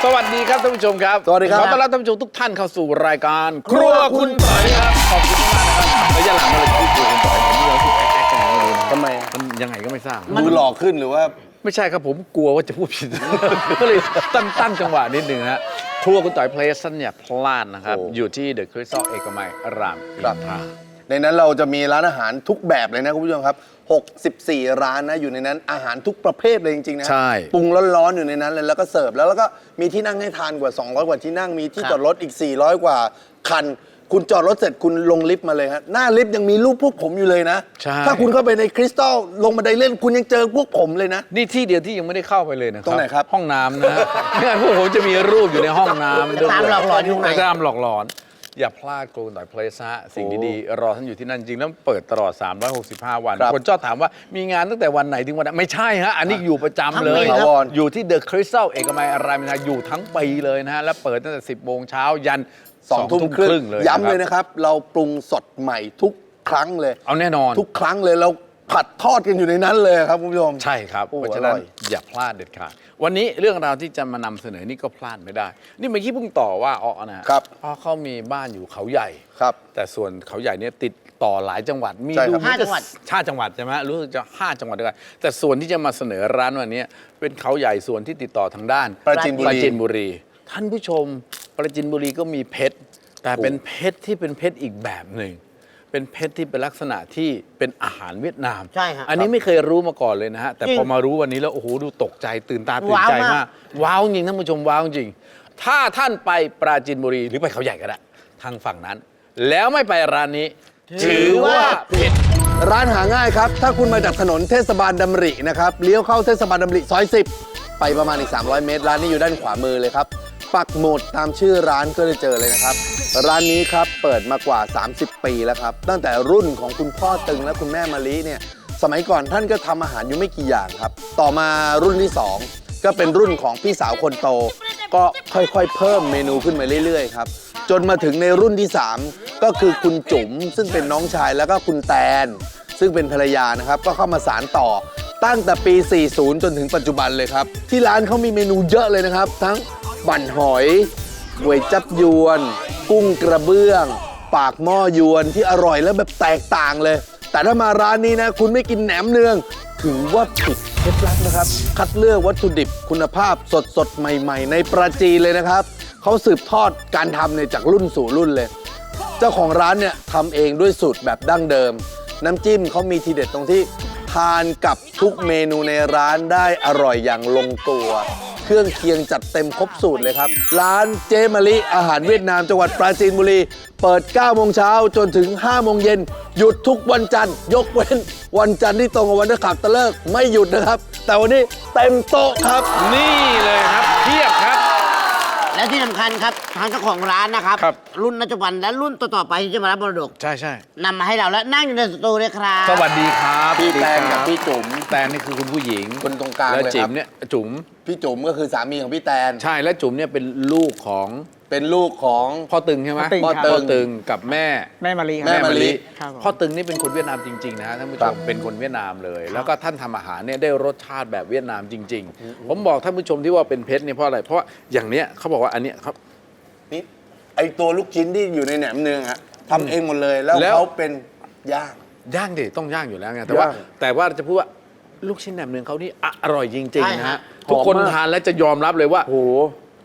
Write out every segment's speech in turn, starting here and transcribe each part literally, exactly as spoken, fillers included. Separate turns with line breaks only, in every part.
สวัสดีครับท่านผู้ชมครับ
สวัสดีครับ
ขอต้อนรับท่านผู้ชมทุกท่านเข้าสู่รายการครัวคุณต่อยครับขอบคุณมากนะครับระยะหลังมาเลยที่ครัวคุณต่อยผมนี่เราที่แอ๊กๆกันเลย
ทำไม
มันยังไงก็ไม่ทราบ
ดูหล่อขึ้นหรือว่า
ไม่ใช่ครับผมกลัวว่าจะพูดผิด ก็เลยตั้งตั้งจังหวะนิดนึงนะฮะครัวคุณต่อยเพลสเนี่ยพลาดนะครับ
โอ้
อยู่ที่เดอะคริสตัลเอกมัยรามอินทรา
ในนั้นเราจะมีร้านอาหารทุกแบบเลยนะคุณผู้ชมครับหกสิบสี่ร้านนะอยู่ในนั้นอาหารทุกประเภทเลยจริงๆนะ
ใช่
ปรุงร้อนๆอยู่ในนั้นเลยแล้วก็เสิร์ฟแล้วแล้วก็มีที่นั่งให้ทานกว่าสองร้อยกว่าที่นั่งมีที่จอดรถอีกสี่ร้อยกว่าคัน คุณจอดรถเสร็จคุณลงลิฟต์มาเลยฮะหน้าลิฟต์ยังมีรูปพวกผมอยู่เลยนะ
ใช่
ถ้าคุณเข้าไปในคริสตัลลงบันไดเลื่อนคุณยังเจอพวกผมเลยนะ
นี่ที่เดียวที่ยังไม่ได้เข้าไปเลยนะครับ
ตรงไหนครับ
ห้องน้ำนะฮะ ไม่งั้นพวกผมจะมีรูปอยู่ในห้องน้ำด้วย
ตามหลอกหลอนอยู่ไหน
ตามหลอกหลอน อย่าพลาดครัวคุณต่อยเพลสฮะสิ่งดีๆรอท่านอยู่ที่นั่นจริงแล้วเปิดตลอดสามร้อยหกสิบห้าวัน
ครับ
คนชอบถามว่ามีงานตั้งแต่วันไหนถึงวันไหนไม่ใช่ฮะ อันนี้อยู่ประจำเลย
ทั้งปีครับ
อยู่ที่เดอะคริสตัลเอกมัยรามอินทราอยู่ทั้งปีเลยนะฮะ และเปิดตั้งแต่สิบโมงเช้ายัน
สองทุ่มครึ่ง
เลย
ย้ำเลยนะครับ เราปรุงสดใหม่ทุกครั้งเลย
เอาแน่นอน
ทุกครั้งเลยเราผัดทอดกันอยู่ในนั้นเลยครับคุณผู้ชม
ใช่ครับ
โอ้
เพราะฉะนั้น
อร่อย
อย่าพลาดเด็ดขาดวันนี้เรื่องราวที่จะมานำเสนอนี่ก็พลาดไม่ได้ นี่เมื่อกี้เพิ่งต่อว่าอ้อนะฮะ
ครับ
อ้อเขามีบ้านอยู่เขาใหญ่
ครับ
แต่ส่วนเขาใหญ่เนี่ยติดต่อหลายจังหวัด มี
ใช่
ดู
ครับ
เหมือนจะ
ห้าจังหวัด
ห้าจังหวัดใช่ไหมรู้สึกจะห้าจังหวัดด้วยกันแต่ส่วนที่จะมาเสนอร้านวันนี้เป็นเขาใหญ่ส่วนที่ติดต่อทางด้าน
ปราจีนบุรี
ปราจีนบุรี ท่านผู้ชมปราจีนบุรีก็มีเพชรแต่เป็นเพชรที่เป็นเพชรอีกแบบหนึ่งเป็นเพชรที่เป็นลักษณะที่เป็นอาหารเวียดนาม
ใช่ฮะ
อันนี้ไม่เคยรู้มาก่อนเลยนะฮะแต่
จริง
พอมารู้วันนี้แล้วโอ้โหดูตกใจตื่นตาตื่นใจ
ว้าวมาก
มากว้าวจริงท่านผู้ชมว้าวจริง ถ้าท่านไปปราจีนบุรีหรือไปเขาใหญ่ก็ได้ทางฝั่งนั้น แล้วไม่ไปร้านนี้ ถือว่าผิด
ร้านหาง่ายครับ ถ้าคุณมาจากถนนเทศบาลดำรินะครับ เลี้ยวเข้าเทศบาลดำริซอยสิบไปประมาณอีกสามร้อยเมตร ร้านนี้อยู่ด้านขวามือเลยครับ ปักหมุดตามชื่อร้านก็จะเจอเลยนะครับ ร้านนี้ครับเปิดมากว่า สามสิบ ปีแล้วครับ ตั้งแต่รุ่นของคุณพ่อตึงและคุณแม่มะลิเนี่ย สมัยก่อนท่านก็ทำอาหารอยู่ไม่กี่อย่างครับ ต่อมารุ่นที่สองก็เป็นรุ่นของพี่สาวคนโต ก็ค่อยๆ เพิ่มเมนูขึ้นมาเรื่อยๆครับ จนมาถึงในรุ่นที่สามก็คือคุณจุ๋มซึ่งเป็นน้องชายแล้วก็คุณแตน ซึ่งเป็นภรรยานะครับ ก็เข้ามาสานต่อตั้งแต่ปี สี่สิบ จนถึงปัจจุบันเลยครับ ที่ร้านเขามีเมนูเยอะเลยนะครับ ทั้งบั่นหอยก๋วยจับยวน กุ้งกระเบื้อง ปากหม้อยวนที่อร่อยและแบบแตกต่างเลย แต่ถ้ามาร้านนี้นะคุณไม่กินแหนมเนืองถือว่าผิดเคล็ดลับนะครับ คัดเลือกวัตถุดิบคุณภาพสดสดๆ ใหม่ๆ ในปราจีนเลยนะครับเขาสืบทอดการทำเนี่ยจากรุ่นสู่รุ่นเลย เจ้าของร้านเนี่ยทำเองด้วยสูตรแบบดั้งเดิม น้ำจิ้มเขามีทีเด็ดตรงที่ทานกับทุกเมนูในร้านได้อร่อยอย่างลงตัว เครื่องเคียงจัดเต็มครบสูตรเลยครับ ร้านเจมะลิอาหารเวียดนามจังหวัดปราจีนบุรี เปิด เก้าโมงเช้าจนถึง ห้าโมงเย็นหยุดทุกวันจันทร์ยกเว้น วันจันทร์ที่ตรงกับวันนักขับตะเลิกไม่หยุดนะครับ แต่วันนี้เต็มโต๊ะครับ
นี่เลยครับเทียบครับ
และที่สำคัญครับทางเจ้าของร้านนะครับ
ครับ
รุ่นปัจจุบันและรุ่นต่อๆไปที่จะมารับมรดก
ใช่ใช่
นำมาให้เราและนั่งอยู่ในสตูเลยครับ
สวัสดีครับ
พี่แตนกับพี่จุ๋ม
แตนนี่คือคุณผู้หญิง
คนตรงกลาง
แล้ว
เลย
จิ๋
ครั
ม
บ
เนี่ยจุ๋ม
พี่จุ๋มก็คือสามีของพี่แตน
ใช่และจุ๋มเนี่ยเป็นลูกของ
เป็นลูกของ
พ่อตึงใช่ไหม
พ่อตึงครับ
พ่อตึงกับแม่
แม่มารีครับ
แม่มะลิ
ครับผม
พ่อตึงนี่เป็นคนเวียดนามจริงๆนะฮะท่านผู้ช
ครั
ม
บ
เป็นคนเวียดนามเลย แล้วก็ท่านทำอาหารเนี่ยได้รสชาติแบบเวียดนามจริง ๆ ผมบอกท่านผู้ชมที่ว่าเป็นเพชรเนี่ยเพราะอะไรเพราะว่าอย่างเนี้ยเขาบอกว่าอันเนี้ยครับ
นี่ไอตัวลูกชิ้นที่อยู่ในแหนมเนืองอะทำเองหมดเลยแล้ว
แล้ว
เขาเป็นย่าง
ย่างดิต้องย่างอยู่แล้วไงแต่ว่า
ย่าง
แต่ว่าจะพูดว่าลูกชิ้นแหนมเนืองเขานี่อร่อยจริง
ใช่
ๆนะ
ฮะ
ฮะทุกคน
หอมมาก
ทานแล้วจะยอมรับเลยว่า
โอ้โห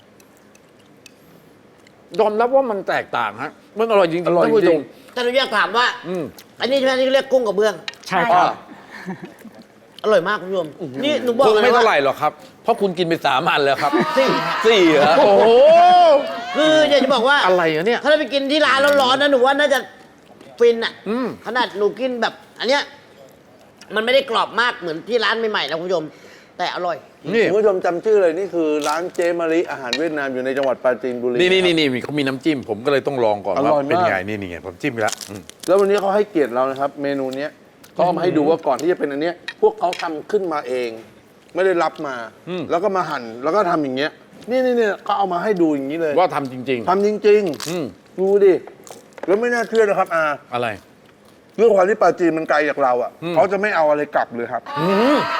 ยอมรับว่ามันแตกต่างฮะมันอร่อยจริงๆ
อร่อย
ท่านผู้ช
จริ
ม
ง
แต่เราอยากถามว่า
อืม
อันนี้ใช่ไหมที่เรียกกุ้งกับเบื้อง
ใช่ครับ
อร่อยมากคุณผู้ชมนี่หนูบอก
คุณ
เลย
ไม่
ว่า
เท่าไหร่หรอกครับ เพราะคุณกินไปสามอันแล้วครับ
สี่
สี่เหรอโอ้โห
คืออยากจะบอกว่า
อะไรอะเนี่ย
ถ้าเราไปกินที่ร้านร้อนๆนะหนูว่าน่าจะฟินอ่ะ
อืม
ขนาดหนูกินแบบ อันเนี้ยมันไม่ได้กรอบมากเหมือนที่ร้านใหม่ๆนะคุณผู้ชม แต่อร่อย
นี่
คุณผู้ชมจำชื่อเลยนี่คือร้านเจมะลิอาหารเวียดนามอยู่ในจังหวัดปราจีนบุรี
นี่นี่
ครับ
นี่นี่เขามีน้ำจิ้ม ผมก็เลยต้องลองก่อน
อร่
ว่า
อยมาก
เป็นไงนี่นี่ไงผมจิ้มไปแล้วอืม
แล้ววันนี้เขาให้เกียรติเรานะครับ เมนูเนี้ยก็เอามาให้ดูว่าก่อนที่จะเป็นอันเนี้ยพวกเขาทำขึ้นมาเอง ไม่ได้รับมา แล้วก็มาหั่นแล้วก็ทำอย่างเงี้ยนี่นี่นี่เขาเอามาให้ดูอย่างนี้เลย
ว่าทำจริง
ทำจริง
ๆ อืม
ๆดูดิแล้วไม่น่าเชื่อนะครับอา
อะไร
เรื่องความที่ปราจีนมันไกลจากเราอ่ะ
อืม
เขาจะไม่เอาอะไรกลับเลยครับ
อืม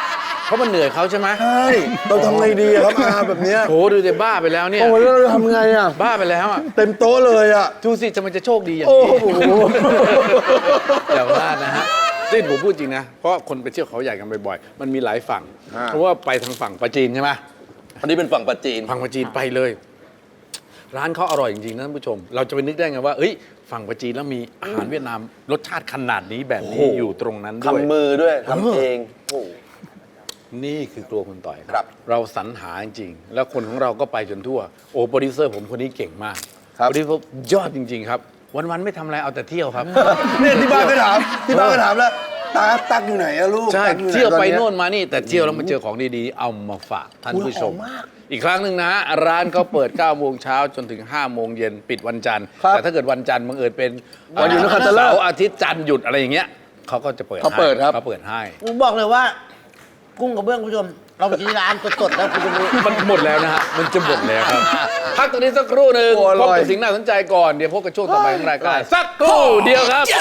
เพราะมันเหนื่อยเขาใช่ไหม
ใช่เราทำไงดีอะครับอาแบบเนี้ย
โถดูจะบ้าไปแล้วเนี่ย
โอ้ยแล้วเราทำไงอ่ะ
บ้าไปแล้วอ่ะ
เต็มโต๊ะเลยอ่ะ
ดูสิจะมันจะโชคดีอย่าง
โอ้
นี้
โห
อย่าพลาดนะฮะนี่ผมพูดจริงนะ เพราะคนไปเที่ยวเขาใหญ่กันบ่อยๆ มันมีหลายฝั่ง เพราะว่าไปทางฝั่งปาจีนใช่ไหม
อันนี้เป็นฝั่งปัจจีน
ฝั่งปาจีนไปเลย ร้านเขาอร่อยจริงๆนะท่านผู้ชม เราจะไปนึกได้ไงว่าเอ้ยฝั่งปาจีนแล้วมีอาหารเวียดนามรสชาติขนาดนี้แบบนี้
โอ้โห
อยู่ตรงนั้นด้วย
ทำมือด้วยทำเองโอ้
นี่คือครัวคุณต่อย
ครับ
เราสรรหาจริงๆแล้วคนของเราก็ไปจนทั่ว โอ้โปรดิวเซอร์ผมคนนี้เก่งมาก
ครับ
โปรดิวเซอร์ยอดจริง ๆ ครับ วันๆไม่ทำอะไรเอาแต่เที่ยวครับ
เนี่ยที่บ้านก็ถามที่บ้านก็ถามแล้วตาตักอยู่ไหนอะลูก
ใช่
ตั๊กอห
เที่ยวไป
ตอ
โน่นมานี่ แต่เที่ยวแล้วมาเจอของดีๆ เอามาฝากท่านผู้ชม
อุ๊ยหอมมาก
อีกครั้งหนึ่งนะ ร้านเขาเปิด9โมงเช้าจนถึง5โมงเย็นปิดวันจันทร์
ครับ
แต่ถ้าเกิดวันจันทร์บังเอิญเป็น
วันหยุดนักขัตฤกษ์
เสาร์อาทิตย์จันทร์หยุดอะไรอย่างเงี้ยเขาก็จะเปิด
เขาเปิดครับ
เขาเปิดให้
ผมบอกเลยว่า กุ้งกับเบื้องคุณผู้ชม เราไปกินที่ร้านสดๆแล้วคุณจะรู้
มันหมดแล้วนะฮะ มันจะหมดแล้วครับ พักตรงนี้สักครู่หนึ่ง
โอ้อร่
พ
อย
บกับสิ่งน่าสนใจก่อน เดี๋ยวพบกับช่วงต่อไปของรายการ สักครู่เดียวครับ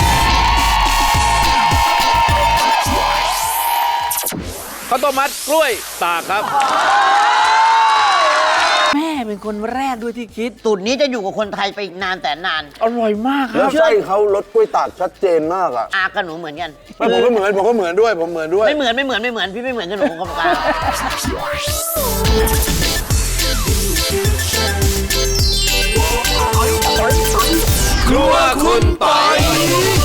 ข้าวต้มมัดกล้วยตากครับ แม่เป็นคนแรกด้วยที่คิด
สูตรนี้จะอยู่กับคนไทยไปอีกนานแต่นาน
อร่อยมากค
แล้
รั
ว
บ
ไส้เขารสกล้วยตากชัดเจนมากอ่ะ
อากับหนูเหมือนกัน
ไม่ผมก็เหมือนผมก็เหมือนด้วยผมเหมือนด้วย
ไม่เหมือนไม่เหมือนไม่เหมือนพี่ไม่เหมือนกับหนูกรรมการ
ครัวคุณปอย